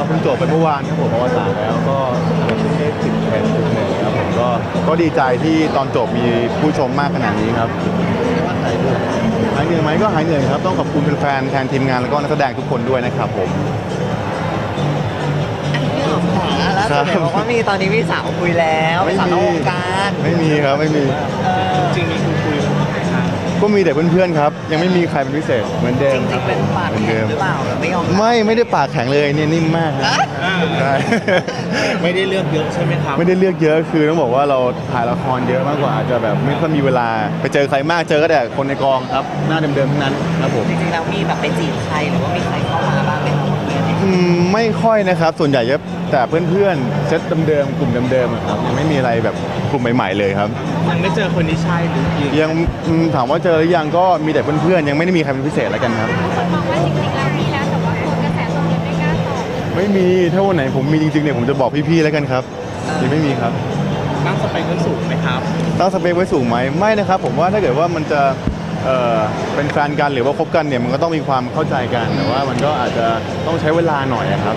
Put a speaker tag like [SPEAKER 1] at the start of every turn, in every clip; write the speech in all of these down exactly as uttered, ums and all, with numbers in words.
[SPEAKER 1] เพิ่งจบไปเมื่อวานครับผมอวสานแล้วก็ได้สิบเอ็ดจุดหนึ่งครับผมก็ก็ดีใจที่ตอนจบมีผู้ชมมากขนาดนี้ครับหายเหนื่อยหายเหนื่อยไหมก็หายเหนื่อยครับต้องขอบคุณแฟนๆแทนทีมงานแล้วก็นักแสดงทุกคนด้วยนะครับผม
[SPEAKER 2] พี่หอมค่ะแล้วสุดเห็นบอกว่ามีตอนนี้มีสาวคุยแล้วเป็นสาวนอกวงการ
[SPEAKER 1] ไม่มีครับไม่มี
[SPEAKER 2] เออ
[SPEAKER 3] จริงมีคุณคุยกับใครครับ
[SPEAKER 1] ก็มีแต่เพื่อนๆครับยังไม่มีใครเป็นพิเศษเหมือนเดิ
[SPEAKER 2] จ
[SPEAKER 1] ม
[SPEAKER 2] ริงๆเป็นปาก
[SPEAKER 1] เหมือน
[SPEAKER 2] แข็
[SPEAKER 1] เดิ
[SPEAKER 2] ง
[SPEAKER 1] ม
[SPEAKER 2] หรือเปล่าหรือไม่ยอมรับ
[SPEAKER 1] ไม่ไม่ได้ปากแข็งเลยเนี่ยนิ่มมากครับ
[SPEAKER 3] อ่า
[SPEAKER 1] ใช่
[SPEAKER 3] ไม่ได้เลือกเยอะใช่ไหมครับ
[SPEAKER 1] ไม่ได้เลือกเยอะคือต้องบอกว่าเราถ่ายละครเยอะมากกว่าอาจจะแบบไม่ค่อยมีเวลาไปเจอใครมากเจอก็แต่คนในกองครับหน้าเดิมๆทั้งนั้นครับผม
[SPEAKER 2] จริงๆแล้วมีแบบไปจีบใครหรือว่ามีใครเข้ามาบ้างไหมคะคนเนี้ยเนี่ย
[SPEAKER 1] อืมไม่ค่อยนะครับส่วนใหญ่จะแต่เพื่อนๆเซตเดิมๆกลุ่มเดิมๆอะครับยังไม่มีอะไรแบบกลุ่มใหม่ๆเลยครับ
[SPEAKER 3] ยังไม่เจอคนที่ใช่หรือยัง
[SPEAKER 1] ยังอืมถามว่าเจอหรือยังก็มีแต่เพื่อนๆยังไม่ได้มีใครเป็นพิเศษแล้วกันครับ
[SPEAKER 4] คนมองว่าจริงๆแล้วมีแล้วแต่ว่ากลัวกระแสตรงนี้ไม่กล้าตอบ
[SPEAKER 1] ไม่มีถ้าวันไหนผมมีจริงๆเนี่ยผมจะบอกพี่ๆแล้วกันครับยังไม่มีครับ
[SPEAKER 3] ตั้งสเปคไว้สูงไหมครับ
[SPEAKER 1] ตั้งสเปคไว้สูงไหมไม่นะครับผมว่าถ้าเกิดว่ามันจะเอ่อเป็นแฟนกันหรือว่าคบกันเนี่ยมันก็ต้องมีความเข้าใจกันแต่ว่ามันก็อาจจะต้องใช้เวลาหน่อยอะครับ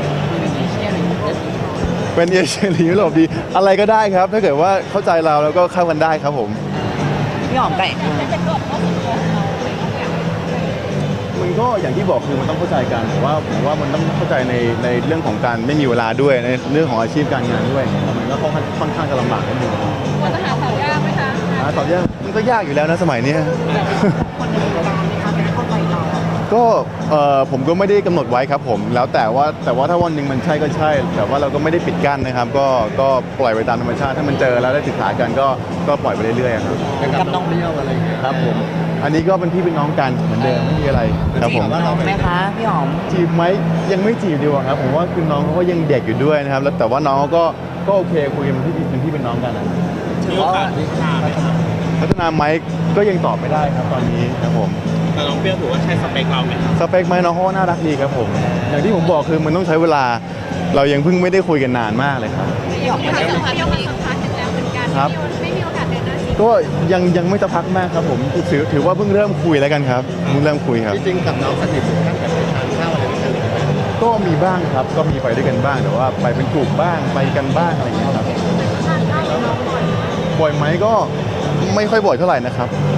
[SPEAKER 1] เป็นเอเชียหรือยุโรปดีอะไรก็ได้ครับ ถ้าเกิดว่าเข้าใจเราแล้วก็เข้ากันได้ครับผม
[SPEAKER 2] พี่หอมไก่
[SPEAKER 4] ไม่เป็นกฎข้อสุดโต่งเราเลยต้องอยาก
[SPEAKER 1] มันก็อย่างที่บอกคือมันต้องเข้าใจกันแต่ว่าผมว่ามันต้องเข้าใจในในเรื่องของการไม่มีเวลาด้วยในเรื่องของอาชีพการงานด้วยมันก็ค่อนค่อนข้างจะลำบากนิดนึง
[SPEAKER 4] กลัวจะหาสาวยากไหมคะ
[SPEAKER 1] หาตอบยากมันก็ยากอยู่แล้วนะสมัยเนี้ย
[SPEAKER 2] คนในวงการไหมคะไม่เข้าใจเรา
[SPEAKER 1] ก็เอ่อผมก็ไม่ได้กำหนดไว้ครับผมแล้วแต่ว่าแต่ว่าถ้าวันหนึ่งมันใช่ก็ใช่ แต่ว่าเราก็ไม่ได้ปิดกั้นนะครับก็ก็ปล่อยไปตามธรรมชาติถ้ามันเจอแล้วได้ศึกษากันก็ก็ปล่อยไปเรื่อยๆครับ
[SPEAKER 2] กับน้อง
[SPEAKER 3] เที่ยวอะไรอย่างเงี้ย
[SPEAKER 1] ครับผมอันนี้ก็เป็นพี่เป็นน้องกันเหมือนเดิมไม่มีอะไรครับผม
[SPEAKER 2] น้องไหมคะพี่หอม
[SPEAKER 1] จีบไหมยังไม่จีบดีกว่าครับผมว่าคือน้องเขาก็ยังเด็กอยู่ด้วยนะครับแล้วแต่ว่าน้องเขาก็ก็โอเคคุยกันเป็นพี่เป็นพี่เป็นน้องกันนะ
[SPEAKER 2] ถื
[SPEAKER 3] มี
[SPEAKER 2] อ
[SPEAKER 3] โอ
[SPEAKER 2] ว่า
[SPEAKER 3] กาสพัฒนาไหมครับ
[SPEAKER 1] พัฒนาไหมก็ยังตอบไม่ได้ครับตอนนี้ครับผม
[SPEAKER 3] แต่น้องเปรี้ยวถือว่าใช่สเปคเราไหมครับ
[SPEAKER 1] สเปคไหมน้องเขาก็น่ารักดีครับผม อย่างที่ผมบอกคือมันต้องใช้เวลา เรายังเพิ่งไม่ได้คุยกันนานมากเลยครับ
[SPEAKER 2] พี่หอม
[SPEAKER 4] มี
[SPEAKER 2] ไม่
[SPEAKER 4] ความ
[SPEAKER 2] ได้
[SPEAKER 4] สัมพันธ์เดียวกันสัมพันธ์กันแล้วเหมือนกัน
[SPEAKER 1] ครับ
[SPEAKER 4] ไม่มีโอกาสเดินหน้าจริง
[SPEAKER 1] ก็ยังยังไม่จะพักมากครับผมถือถือว่าเพิ่งเริ่มคุยแล้วกันครับเพิ่งเริ่มคุยครับ
[SPEAKER 3] จริงกับน้องสนิทถึงขั้นกับไปทานข้าวอะไรด้วยกันเลยไหม
[SPEAKER 1] ก็มีบ้างครับก็มีไปด้วยกันบ้างแต่ว่าไปเป็นกลุ่มบ้างไปกันบ้างอะไรอย่างเงี้ยครับบ่อยไหมก็ไม่ค่อยบ่อยเท่าไหร่นะครับ